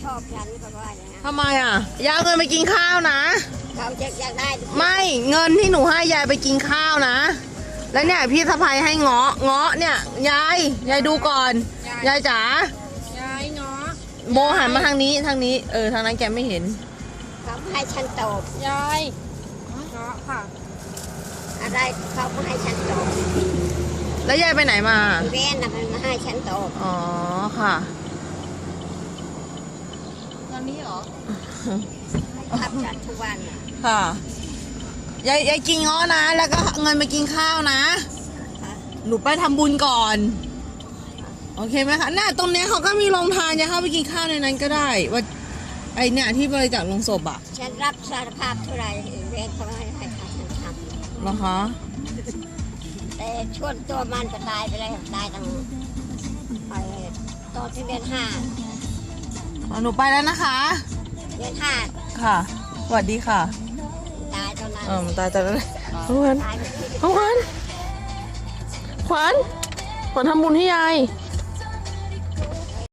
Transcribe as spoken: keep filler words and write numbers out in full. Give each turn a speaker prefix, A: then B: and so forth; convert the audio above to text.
A: ชอบฉันก็ว่าอย่างนั้น
B: ทำไมอ่ะยายเอาเงินไปกินข้าวนะ
A: เขาจะอยากได้
B: ไม่เงินที่หนูให้ยายไปกินข้าวนะ แล้วเนี่ยพี่สะพายให้เงาะเงาะเนี่ยยายยายดูก่อนยายจ๋าย
C: ายเนาะ
B: โบหันมาทางนี้ทางนี้เออทางนั้นแกไม่เห็น
A: เขาให้ฉันตอบ
C: ยายเนาะค่ะ
A: อะไรเขาก็ให้ฉันตอบ
B: แล้วยายไปไหนมา
A: อีเวนต์น่ะมันมาให้ฉันตอบ
B: อ๋อค่ะ
C: ตอนนี้เหรอ
A: ทับฉันทุกวันน่ะ
B: ค่ะยายยายกินเงาะนะ แล้วก็เอาเงินไปกินข้าวนะ หนูไปทำบุญก่อน โอเคไหมคะน่าตรงเนี้ยเขาก็มีโรงทานยายเข้าไปกินข้าวในนั้นก็ได้ว่าไอเนี่ยที่บริจาคลงศพอะ
A: ฉันรับสารภาพเท่าไหร่อีเวนต์เขาให้ให้ฉันท
B: เหรอคะ
A: ำแต่ช่วงตัวมันก็ตายไปแล้วตายตั้งไอ้ตอนที่เดือนห้า
B: อ๋อหนูไปแล้วนะคะ
A: เดือนห้า
B: ค่ะสวัสดีค่ะ
A: ตายตอนนั้น
B: เออมันตายแต่แล้วขวัญ
A: ตายไปที่
B: ขวัญขวัญขวัญทำบุญให้ยาย